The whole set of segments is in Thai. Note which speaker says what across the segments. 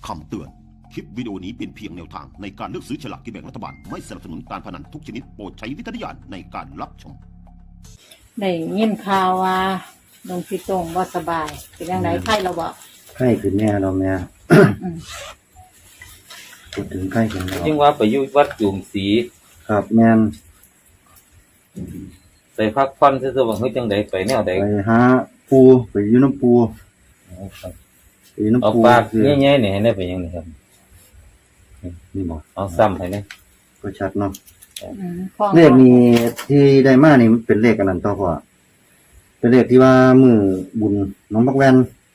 Speaker 1: คำเตือน คลิปวิดีโอนี้เป็นเพียงแนวทางในการเลือกซื้อฉลากกินแบ่งรัฐบาล ไม่สนับสนุนการพนันทุกชนิดโปรดใช้วิจารณญาณในการรับชม
Speaker 2: ได้ยินข่าวว่าหลวงพี่ตรงบ่สบายเป็นยังไงไข้เราบ่
Speaker 3: ไข้ขึ้นแน่เราแม่พูดถึงไข้ขึ้นแล้ว
Speaker 4: จึงว่าไปอยู่วัดจุ่มศรี
Speaker 3: ครับแม่น
Speaker 4: ไปพักผ่อนซื่อๆว่าเฮ้ยจังได๋ไปแนวใด
Speaker 3: ไปหาปูไปอยู่น้ำปูไปอยู่น้ำ
Speaker 4: เอา
Speaker 3: ปู
Speaker 4: ปากใหญ่ๆนี่ให้ได้ไปยังนี่ครับ
Speaker 3: นี่บอก
Speaker 4: เอาซ้ำให้นี่
Speaker 3: ก็ชัดเนาะ
Speaker 2: พ่อ
Speaker 3: เลขนี้ที่ได้มานี่มันเป็นเลขอันนั้นต่อพ่อเป็นเลขที่ว่ามือบุญน้องบักแวน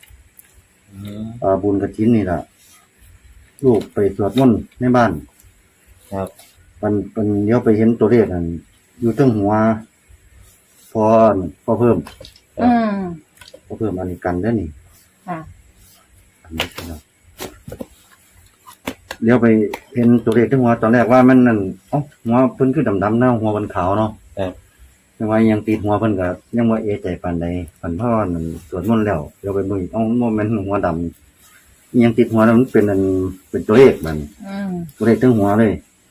Speaker 3: บุญกฐินนี่ล่ะลูกไปสวดมนต์ในบ้าน
Speaker 4: ครับ
Speaker 3: มันเดี๋ยวไปเห็นตัวเลขนั่นอยู่เทิงหัวพอเพิ่มพอเพิ่มอันนี้กันเด้อนี่
Speaker 2: ค่ะ
Speaker 3: อันนี้ครับเดี๋ยวไปเห็นตัวเลขเทิงหัวตอนแรกว่ามันนั่นหัวเพิ่นคือดำๆเนาะหัวมันขาวเนาะยังว่ายังติดหัวเพิ่นก็ยังว่าเอะใจปานใดปันพ่อนั่นสวดมนต์แล้วเดี๋ยวไปเบิ่งอีกบ่แม่นหัวดำยังติดหัวแล้วมันเป็นตัวเลขมันตัวเลขเทิงหัวเลย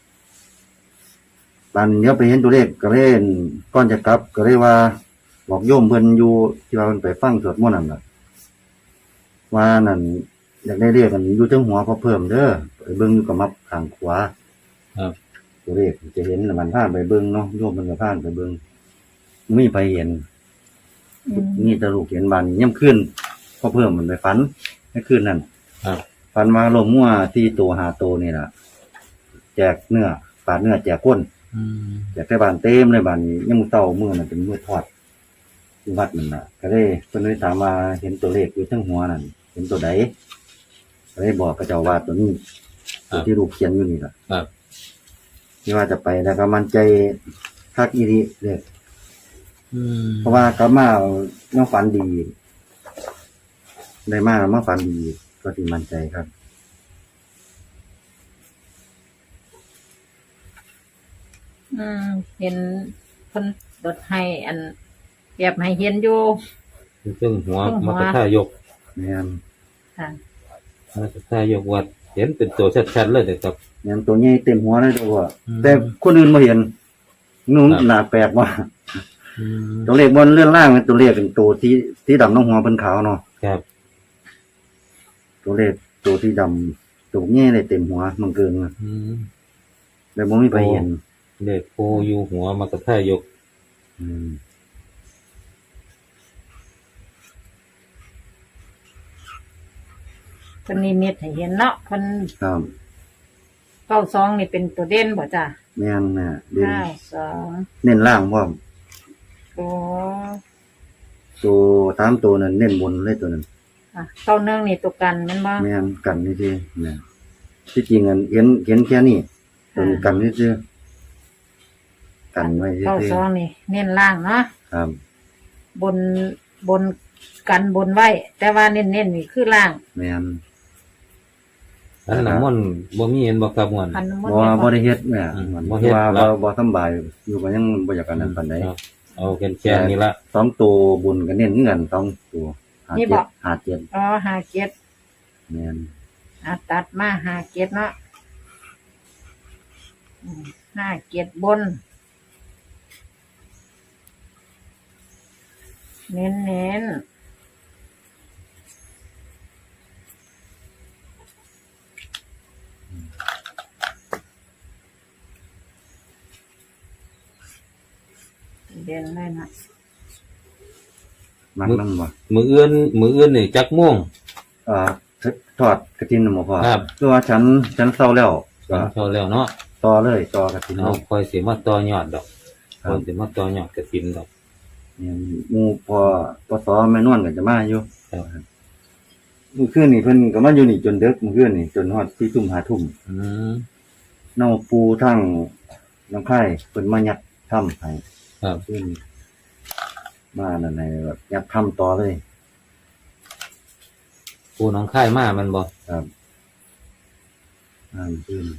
Speaker 3: บานเดี๋ยวไปเห็นตัวเลขก็เล่นก่อนจะกลับก็เลยว่าบอกโยมเพิ่นอยู่ที่ว่าเพิ่นไปฟังสวดมนต์นั่นล่ะว่านั่นอยากได้เลขกันอยู่เทิงหัวพอเพิ่มเด้อไปเบิ่งอยู่กับมับข้างขวา
Speaker 4: ครับ
Speaker 3: ตัวเลขจะเห็นมันพาไปเบิ่งเนาะโยมเพิ่นก็พาไปเบิ่งมีไปเห็นนี่ตะลูกเห็นบานย่ำขึ้นพอเพิ่มมันไปฝันในคืนนั้นฝันว่าลมมั่วที่ตัว5ตัวนี่ล่ะแจกเนื้อปาดเนื้อแจกก้นแจกแต่บ้านเต็มเลยบ้านนี้ยังมื้อเต่ามื้อนั้นเป็นมื้อทอดที่วัดนั่นน่ะก็เลยเพิ่นเลยถามว่าเห็นตัวเลขอยู่ทั้งหัวนั่นเห็นตัวใดก็เลยบอกกับเจ้าว่าตัวนี้ตัวที่ลูกเขียนอยู่นี่ล่ะ
Speaker 4: ครับ
Speaker 3: ที่ว่าจะไปแล้วก็มั่นใจคักอีหลีเด้อเพราะว่ากลับมายังฝันดีได้มาฝันดีก็สิมั่นใจครับ
Speaker 2: เห็นเพิ่นดดให้อันแบบให้เห็นอยู่
Speaker 4: ซึ่งหัวมักท่ายก
Speaker 3: แม่น
Speaker 2: ค่ะ
Speaker 4: มักท่ายกวัดเห็นเป็นตัวชัดๆเลยเด้อครับ
Speaker 3: แม่นตัวใหญ่เต็มหัวเลยตัวว่าแต่คนอื่นบ่เห็นนู่นน่าแปลกว่าตัวเลขบนเลื่อนล่างตัวเลขเป็นตัวที่ดำน้องหัวเป็นขาวเนาะ
Speaker 4: ครับ
Speaker 3: ตัวเลขตัวที่ดำตัวใหญ่เลยเต็มหัวมันเกินแล้วบ่มีไปเห็น
Speaker 4: เลขโพอยู่หัวมักท่ายก
Speaker 2: เพิ่นนิมิตให้เห็นเนาะเพิ่น
Speaker 3: ครับ
Speaker 2: 92นี่เป็นตัวเด่นบ่จ้ะ
Speaker 3: แม่นน่ะเด่น
Speaker 2: 92
Speaker 3: เน้นล่างพร้อม
Speaker 2: อ๋อ
Speaker 3: ตัว3ตัวนั้นเน้นบนเลยตัวนั้น
Speaker 2: 91นี่ตัวกันแม่นบ่
Speaker 3: แม่นกันนี่สิแม่นที่จริงอันเห็นแค่นี้ตัวนี้กันนี่ซื่อกันไว้ซื่อ
Speaker 2: 92นี่เน้นล่างเนาะ
Speaker 3: ครับ
Speaker 2: บนกันบนไว้แต่ว่าเน้นนี่คือล่าง
Speaker 3: แม่น
Speaker 4: อันน้ำมนต์บ่มีเห็นบ่ครับม่วน
Speaker 3: บ่ได้เฮ็ดแม่บ่เฮ็ดว่าบ่สำบายอยู่ก็ยังบ่อยากกันนั้นปานใด
Speaker 4: เอาแค่นี้ละ
Speaker 3: 2ตัวบุญก็เน้นคือกัน2ตัว
Speaker 2: นี่บ่
Speaker 3: 57
Speaker 2: อ๋อ57
Speaker 3: แม่น
Speaker 2: ตัดมา57เนาะ57บนเน้นเด่นเลยนะ
Speaker 3: มักนำบ่
Speaker 4: มื้ออื่นนี่จักม่วง
Speaker 3: ทอดกฐินน่ะบ่พอคือว่าฉันเซาแล้ว
Speaker 4: เซาแล้วเนาะ
Speaker 3: ต่อเลยต่อกฐิน
Speaker 4: เอาค่อยสิมาต่อยอดดอกค่อยสิมาต่อยอดกฐินดอก
Speaker 3: หมู่พอสแม่นวลก็จะมาอยู่มื้อคืนนี่เพิ่นก็มาอยู่นี่จนดึกมื้อคืนนี่จนฮอด 4:00 น 5:00 นเนาปูทั้งน้ำไข่เพิ่นมายัดถ้ำให้
Speaker 4: ครับ
Speaker 3: ขึ้นมานั่นแบบยัดถ้ำต่อเลย
Speaker 4: ปูน้องค่ายมามันบ่
Speaker 3: ครับขึ้น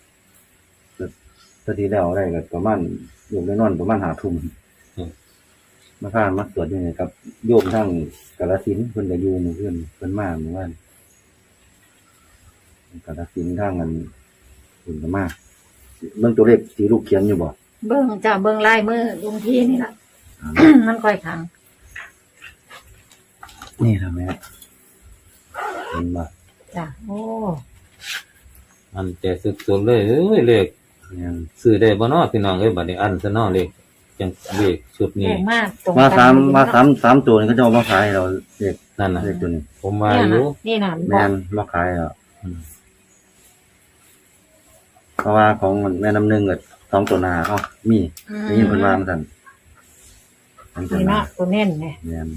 Speaker 3: ตอนที่แล้วได้ก็ประมาณอยู่ได้นอนประมาณ5:00 นมาพามาตรวจอยู่นี่ครับโยมทั้งกาฬสินธุ์เพิ่นก็อยู่มื้อคืนเพิ่นมาเมื่อวานกระสินทางกันคุณก็มากเบิ่งตัวเลขที่ลูกเขียนอยู่บ่
Speaker 2: เบิ่งจ้ะเบิ่งลายมือลุงพี่นี่ล่ะ มันค่อยขัง
Speaker 3: นี่ทำไมเห็นบ่
Speaker 2: จ้ะโอ้
Speaker 4: มันใจสุดๆเลยเลข
Speaker 3: เนี่ย
Speaker 4: ซื้อได้บ่เนาะพี่น้องเอ้ยบัดนี้อันซะเนาะเลขจังเลขชุด
Speaker 2: แพ
Speaker 4: นี้
Speaker 2: งมากตรง
Speaker 3: มา
Speaker 2: กัน
Speaker 3: สามตัวนี่เขาจะเอามาขายให้เราเลข
Speaker 4: นั่นน่ะ
Speaker 3: เลขตัวนี้
Speaker 4: ผมว่า
Speaker 2: เนี่ย
Speaker 4: อยู่
Speaker 2: นะนี่น่ะ
Speaker 3: แม่นมาขายแล้วเพราะว่าของแม่น้ำหนึ่งกับ2ตัวหน้าเอ้ามีได้ยินเพิ่นว่ามันซั่น2ตัว
Speaker 2: นี่
Speaker 3: หน้า
Speaker 2: เนาะตัวเน้นเนี่ย
Speaker 3: แม่น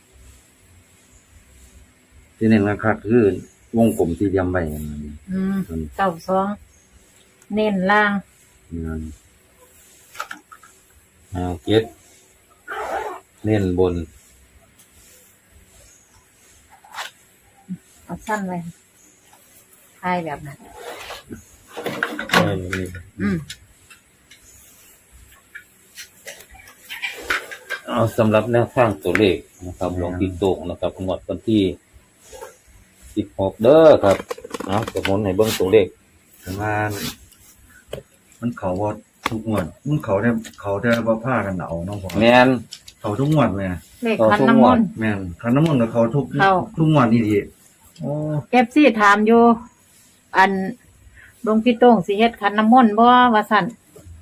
Speaker 3: ที่เน้นคักๆคือวงกลมสี่เหลี่ยมไว้นั่น
Speaker 2: 92เน้นล่าง
Speaker 3: นั่น
Speaker 4: เจ็ดเน้นบน
Speaker 2: เอาสั้นไว้ทายแบบนั้น
Speaker 4: ไม่มี เอาสำหรับแนวทางตัวเลขนะครับหลวงพี่โตงนะครับงวดวันที่16เด้อครับเอาสมุนให้เบิ่งตัวเลข
Speaker 3: แต่ว่ามันเขาบ่ทุกงวดมันเขาได้บ่พากันเอาเนาะพ่อ
Speaker 4: แม่น
Speaker 3: เขาทุกงวดแม่
Speaker 2: เลขคันน้ำมนต์
Speaker 3: แม่นคันน้ำมนต์กับเขาทุก
Speaker 2: เข้า
Speaker 3: ทุกงวดนี่ดีโอ้
Speaker 2: เอฟซีถามอยู่ อันหลวงพี่โต้งสิเฮ็ดคันน้ำมนต์บ่ว่าซั่น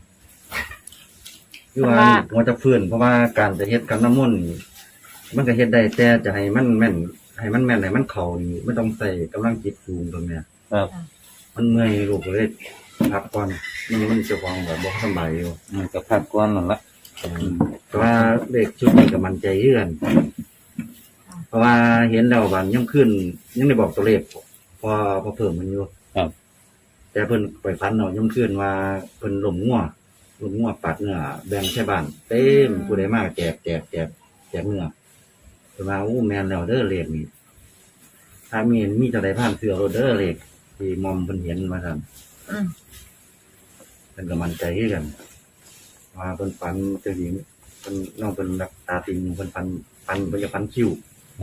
Speaker 3: คือว่าหัวจะฟื้นเพราะว่าการจะเฮ็ดคันน้ำมนต์นี่มันก็เฮ็ดได้แต่จะให้มันแม่นให้มันแม่นให้มันเข้านี่ไม่ต้องใส่กำลังจิตสูงตรงเนี้ย
Speaker 4: ครับ
Speaker 3: มันเมื่อยลูกเลยพักก่อนมันจะวางแบบบ่สบายอยู่
Speaker 4: มันก็พักก่อนนั่นละ
Speaker 3: แต่ว่าเลขชุดนี้ก็มั่นใจเยื่อนเพราะว่าเห็นแล้ววันยังขึ้นยังได้บอกตัวเลขพอเพิ่มมันอยู่
Speaker 4: ครับ
Speaker 3: แต่เพิ่นไปฟันเนาะยังขึ้นว่าเพิ่นล้มงัวปัดเนื้อแบ่งใช้บ้านเต็มผู้ใดมาแจกเนื้อเพิ่นว่าโอ้แม่นแล้วเด้อเลขนี่ถ้ามีจังได๋ผ่านเสือโรเด้อเลขที่มอมเพิ่นเห็นมาซั่น
Speaker 2: อืม
Speaker 3: เพิ่นก็มั่นใจคือกันว่าเพิ่นฝันจังซี่เพิ่นน้องเพิ่นรักตาติงเพิ่นฝันเพิ่นจะฝันคิ้ว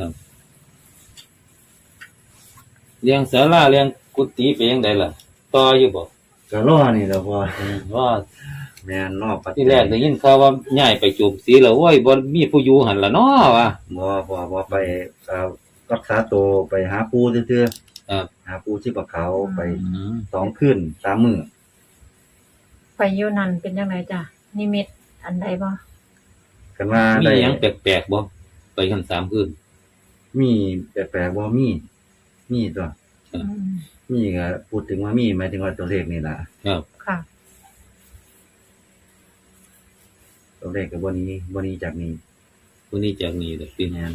Speaker 4: เลี้ยงศาลาเลี้ยงกุฏิไปยังไดล่ะต่ออยู่บ่
Speaker 3: ก็รอนี่แหล้วพอ
Speaker 4: ว่า
Speaker 3: แม่นรอปัจจัย
Speaker 4: ที่แรกได้ยินข่าวว่าย้ายไปจูบสีแล้วโอ้ยบ่มีผู้อยู่หั่นล่ะเนาะว่ะ
Speaker 3: บ่ไปรักษาตัวไปหาปู่ซื่อ
Speaker 4: ครับ
Speaker 3: ๆหาปู่ที่ปะเขาไป
Speaker 4: อืม
Speaker 3: 2คืน3มื้อ
Speaker 2: ไปอยู่นั่นเป็นจังไดจ้ะนิมิตอันใดบ่
Speaker 3: กันว่า
Speaker 4: มี
Speaker 3: ได้
Speaker 4: หยังแปลกๆบ่ไปกัน3คืน
Speaker 3: มีแปลกๆบ่มีตัว
Speaker 2: อืม
Speaker 3: มีก็พูดถึงว่ามีหมายถึงว่าตัวเลขนี่ล่ะ
Speaker 4: ครับ
Speaker 2: ค่ะ
Speaker 3: ตัวเลขก็บ่นี้จากนี้
Speaker 4: ผู้นี้จากนี้เด้อพี่
Speaker 3: แม่น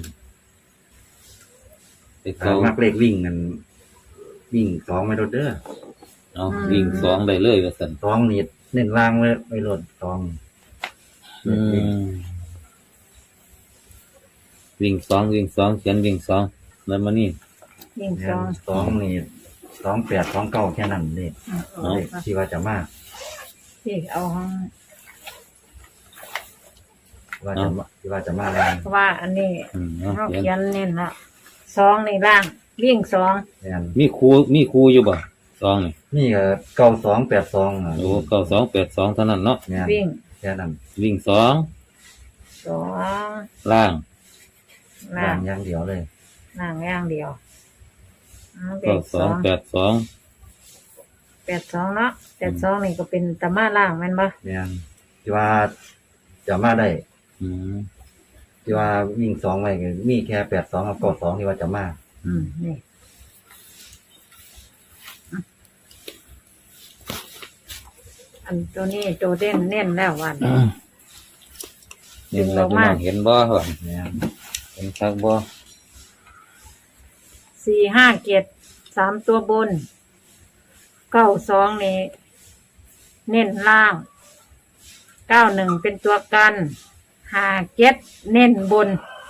Speaker 4: ไป
Speaker 3: ถ้า
Speaker 4: เขา
Speaker 3: มักเลขวิ่งนั่นวิ่ง2ไว้โดดเด้อ
Speaker 4: เนาะวิ่ง2ได้เลยว่าซั่น
Speaker 3: 2นี่เน้นล่างไว้โลด2
Speaker 4: วิ่ง2เขียนวิ่ง2แล้วมานี่
Speaker 2: ยิ่ง
Speaker 3: แม่
Speaker 2: ซอง
Speaker 3: น2นี่28 29แค่นั้นเด้
Speaker 2: เอา
Speaker 3: เลขที่ว่าจะมา
Speaker 2: ที่เอาห้อง
Speaker 3: ที่ว่าจะมาแรง
Speaker 2: เพราะว่าอันนี้
Speaker 4: เอา
Speaker 2: เรา
Speaker 4: เขียน
Speaker 2: เขียนเน้นละซองนี่ล่างวิ่งซอง
Speaker 3: แม่น
Speaker 4: มีครูอยู่บ่2นี่
Speaker 3: นี่ก็9282อ่ะ
Speaker 4: โอ้9282เท่านั้นเนาะ
Speaker 3: แม่น
Speaker 2: วิ่ง
Speaker 3: แค่นั้น
Speaker 4: วิ่ง2
Speaker 2: ซอง
Speaker 4: ล่าง
Speaker 2: ล่าง
Speaker 3: อย่างเดียวเลย
Speaker 2: ล่างอย่างเดียวเอาเล
Speaker 4: ก็
Speaker 2: ขซอง
Speaker 4: 282
Speaker 2: 82เนาะ82นี่ก็เป็นตะมาล่างแม่นบ่
Speaker 3: แม่นที่ว่าจะมาได้
Speaker 4: อืม
Speaker 3: ที่ว่าวิ่ง2ไว้ก็มีแค่82กับ92ที่ว่าจะมา
Speaker 2: นี่อันตัวนี้ตัวเด่นเน้นแล้ววัน
Speaker 4: นี่เราพี่น้องเห็นบ่ว่า
Speaker 3: แม่น
Speaker 4: เห็นคักบ่
Speaker 2: 457 3ตัวบน92นี่เน้นล่าง91เป็นตัวกัน57เน้นบน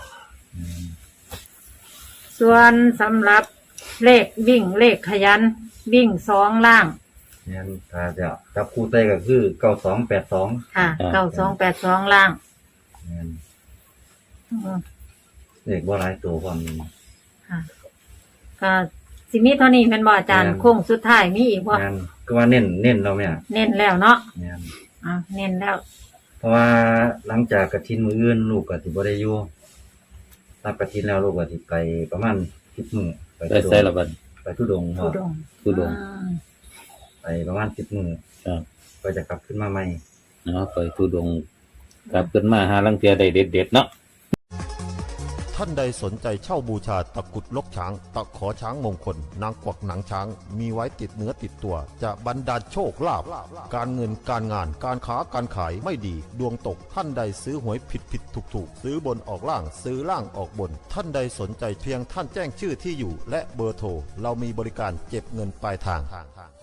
Speaker 2: ส่วนสำหรับเลขวิ่งเลขขยัน วิ่ง2ล่าง
Speaker 3: แม่นถ้าจะจับคู่ใส่ก็คือ9282
Speaker 2: ค่ะ9282ล่าง
Speaker 3: แม่น
Speaker 2: อืม
Speaker 3: เลขบ่หลายตัวความนี้
Speaker 2: ค่ะก็สิมีเท่านี้แม่นบ่อาจารย์
Speaker 3: แม่น
Speaker 2: โค้งสุดท้ายมีอีกบ่
Speaker 3: งานก็ว่าเน้นเราแม่
Speaker 2: เน้นแล้วเนาะ
Speaker 3: งาน
Speaker 2: เน้นแล้ว
Speaker 3: เพราะว่าหลังจากกฐินมื้ออื่นลูกก็สิบ่ได้อยู่รับกฐินแล้วลูกก็สิไปประมาณ10มื้อไป
Speaker 4: ได้ใส่ละบัด
Speaker 3: ไปทุดงค์
Speaker 2: ทุดง
Speaker 4: ทุดงค์
Speaker 3: ไปประมาณ10มื้อ
Speaker 4: ครับ
Speaker 3: ก็จะกลับขึ้นมาใหม่
Speaker 4: เนาะไปทุดงค์กลับขึ้นมาหาลังเทียได้เด็ดๆเนาะ
Speaker 1: ท่านใดสนใจเช่าบูชาตะกรุดลกช้าง ตะขอช้างมงคล นางกวักหนังช้าง มีไว้ติดเนื้อติดตัว จะบรรดาลโชคลาภการเงินการงานการค้าการขายไม่ดี ดวงตกท่านใดซื้อหวยผิดถูกซื้อบนออกล่างซื้อล่างออกบน ท่านใดสนใจเพียงท่านแจ้งชื่อที่อยู่ และเบอร์โทรเรามีบริการเก็บเงินปลายทาง